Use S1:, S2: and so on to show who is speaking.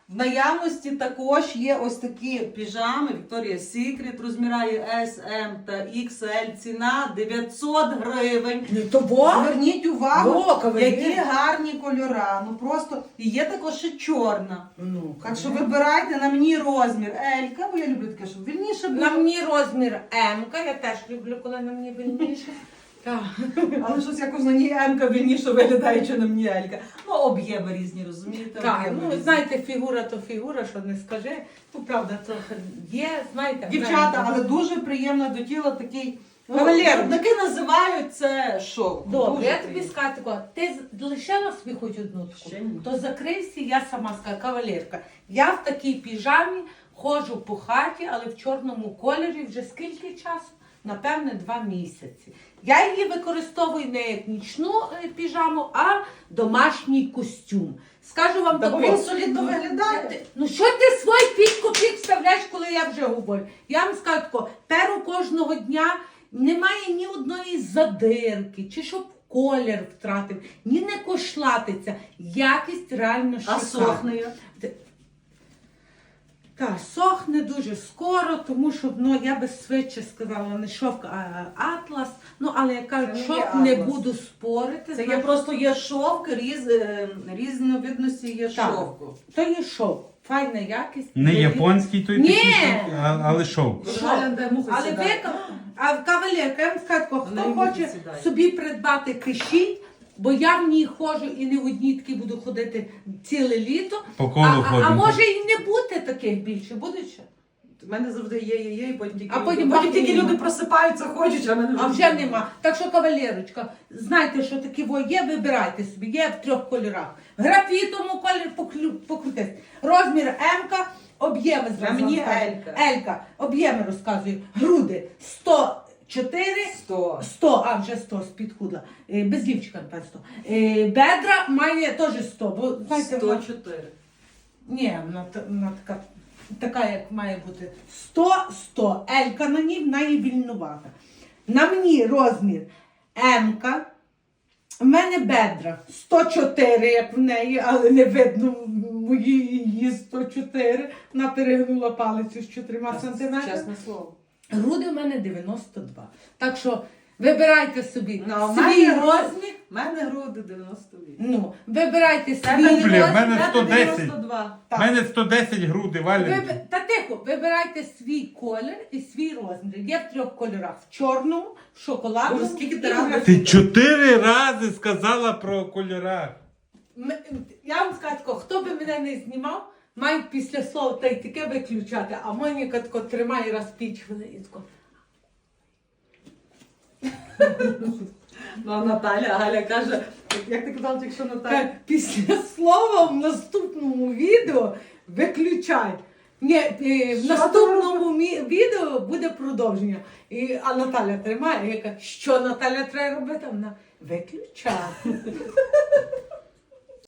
S1: В наявності також є ось такі піжами Victoria's Secret, розмірає S, M та XL, ціна 900 гривень. Зверніть увагу, які гарні кольора. Ну просто, і є також ще чорна. Так що вибирайте на мені розмір L-ка, бо я люблю таке, щоб вільніше було.
S2: На мені розмір М-ка, я теж люблю, коли на мені вільніше.
S1: Але щось якось на ній М-ка вільніше виглядає, чи на мені L-ка. Ну, об'єми різні, розумієте?
S2: Так,
S1: Об'єми
S2: ну
S1: різні.
S2: знаєте, фігура то фігура, що не скажи. Ну, правда, трохи є, знаєте.
S1: Дівчата, але дуже приємно до тіла такий.
S2: Кавалер.
S1: Таки називають це шоу.
S2: Добре,
S1: Дуже
S2: я тобі
S1: приємно.
S2: скажу такого, ти лишила собі хоч одну таку?
S1: Ще ні.
S2: То закрився, я сама скажу, кавалерка. Я в такій піжамі ходжу по хаті, але в чорному кольорі вже скільки часу? Напевне, 2 місяці. Я її використовую не як нічну піжаму, а домашній костюм. Скажу вам
S1: Та бо
S2: таке.
S1: він солідно виглядає.
S2: Ну що ти свій 5 копійок вставляєш, коли я вже говорю? Я вам скажу тако, перу кожного дня немає ні одної задирки, чи щоб колір втратив, ні не кошлатиться. Якість реально шикарна.
S1: А сохне як?
S2: Так, сохне дуже скоро, тому що, ну, я би швидше сказала, не шовк, а атлас. Ну, але я кажу,
S1: Це не є
S2: шовк не
S1: атлас.
S2: буду спорити.
S1: Це є
S2: знаєте.
S1: просто є шовк, різновидності є
S2: Так.
S1: шовку.
S2: То є шовк, файна якість.
S3: Не японський той
S2: Ні!
S3: такий, але шовк.
S2: Шовк.
S1: Галя, де муха
S2: Але
S1: сідає.
S2: а кавалерка, я вам скажу, тако,
S1: Вона
S2: хто
S1: й муха
S2: хоче
S1: сідає.
S2: собі придбати, пишіть, бо я в ній ходжу і не в одній такій буду ходити ціле літо.
S3: По колу
S2: А
S3: ходимо.
S2: може і не бути таких більше, буде ще?
S1: У мене завжди є, і потім тільки,
S2: А потім
S1: потім
S2: бахне
S1: тільки
S2: нема.
S1: люди просипаються, хочуть, а мене
S2: А вже нема. Так що, кавалерочка, знайте, що такі є, вибирайте собі, є в 3 кольорах. Графітовому кольорі покрутись. Розмір М-ка, об'єми
S1: А
S2: зразу.
S1: мені
S2: розказую.
S1: L-ка.
S2: L-ка, об'єми розказую. Груди 104,
S1: 100.
S2: 100, а вже 100 спідхудла. Без лівчика, напевно, 100. Бедра має теж 100, бо, знаєте, вона-
S1: 104.
S2: ні, вона така, як має бути. 100. Елька на ній, вона є вільнувата. На мені розмір М-ка. В мене бедра 104, як в неї, але не видно мої її 104. Вона перегнула палицю з 4 сантиметрами.
S1: Чесне слово.
S2: Груди в мене 92. Так що вибирайте собі
S1: Ну, а в
S2: свій
S1: мене
S2: розмір.
S1: У мене груди 98.
S2: Ну, вибирайте свій
S1: Тебе
S2: розмір.
S3: Блін, в мене
S1: Тебе
S3: 110.
S1: 92.
S3: У мене 110 груди, валенки.
S2: Та тихо, вибирайте свій колір і свій розмір. Є в 3 кольорах: в чорному, в шоколадному.
S1: Боже, скільки ти
S2: і в
S1: разів
S2: графітовому.
S3: Ти 4 рази сказала про кольорах.
S2: Я вам скажу, тако, хто би мене не знімав, має після слова та й таке виключати, а Моніка тако тримає раз 5 хвилин і тако.
S1: Ну, а Галя каже, як ти казала, якщо Наталя.
S2: Після слова в наступному відео виключай. Ні, в
S1: Що
S2: наступному відео буде продовження. А Наталя тримає, яка, що Наталя треба робити? Вона виключати.